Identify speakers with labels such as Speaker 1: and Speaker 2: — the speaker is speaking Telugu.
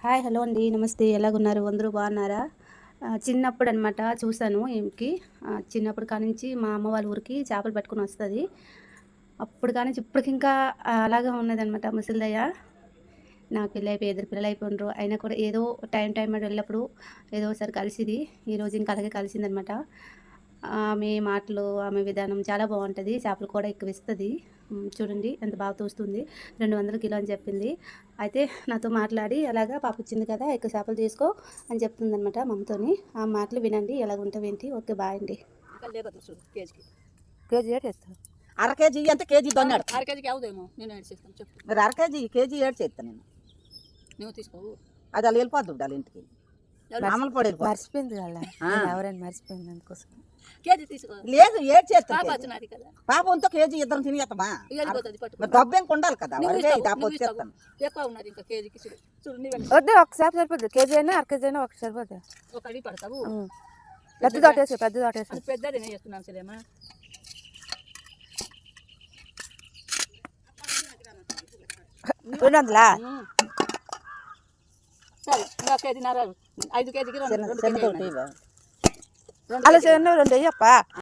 Speaker 1: హాయ్ హలో అండి, నమస్తే. ఎలాగున్నారు? అందరూ బాగున్నారా? చిన్నప్పుడు అనమాట చూశాను ఈమెకి. చిన్నప్పుడు కానించి మా అమ్మ వాళ్ళ ఊరికి చేపలు పట్టుకొని వస్తుంది. అప్పుడు కానించి ఇప్పటికి ఇంకా అలాగే ఉన్నదనమాట ముసలిదయ్య. నాకు పెళ్ళి అయిపోయి 2 పిల్లలు అయిపోయినరు. అయినా కూడా ఏదో టైం వెళ్ళినప్పుడు ఏదో ఒకసారి కలిసిది. ఈరోజు ఇంకా అలాగే కలిసిందనమాట. ఆమె మాటలు, ఆమె విధానం చాలా బాగుంటుంది. చేపలు కూడా ఎక్కువ ఇస్తుంది. చూడండి ఎంత బాగా తోస్తుంది. 200 కిలో అని చెప్పింది. అయితే నాతో మాట్లాడి అలాగా పాప వచ్చింది కదా, ఎక్కువ చేపలు తీసుకో అని చెప్తుందనమాట మమ్మతోని. ఆ మాటలు వినండి ఎలాగుంటావు ఏంటి. ఓకే, బాయ్ అండి.
Speaker 2: కేజీ ఏడు చేస్తాను.
Speaker 3: అర కేజీ అంటే కేజీ దొన్నాడు.
Speaker 4: అర కేజీకి అవుదేమో, నేను ఏడు చేస్తాను చెప్పు.
Speaker 3: మరి అర కేజీ ఏడు చేస్తాను నేను.
Speaker 4: నువ్వు తీసుకోవు.
Speaker 3: అది అలా వెళ్ళిపోద్దు వాళ్ళ ఇంటికి. మామూలు పొడి
Speaker 2: మర్చిపోయింది కదా, ఎవరైనా మర్చిపోయింది అందుకోసం.
Speaker 4: కేజీ తీసుకో.
Speaker 3: లేదు ఏడు
Speaker 4: పాప
Speaker 3: చేస్తాను.
Speaker 4: వచ్చినది కదా,
Speaker 3: పాపంతో కేజీ ఇద్దరం తినేస్తామా?
Speaker 4: వెళ్ళిపోతుంది పట్టు.
Speaker 3: మరి డబ్బేం కొండాలి కదా,
Speaker 4: నువ్వు
Speaker 3: వరకే
Speaker 4: ఇస్తావు,
Speaker 3: దాప
Speaker 4: నువ్వు ఇస్తావు.
Speaker 3: వచ్చేస్తాను.
Speaker 4: ఎక్కువ ఉన్నది ఇంకా కేజీకి చూడు చూడు నువ్వు
Speaker 2: వద్దు, ఒకసారి సరిపోద్ది. కేజీ అయినా అర కేజీ అయినా ఒకటి సరిపోద్ది.
Speaker 4: ఒక అడిగి పడతావు.
Speaker 2: పెద్ద తోటేసి
Speaker 4: అది పెద్దది నేను చేస్తున్నాను సరేమా.
Speaker 2: రెండువందలా?
Speaker 4: సరే ఇంకా కేజీన్నర, 5 కేజీకి 2 కేజీ
Speaker 3: చిన్న తోటి
Speaker 2: అలా రెండు 2 అయ్యప్ప.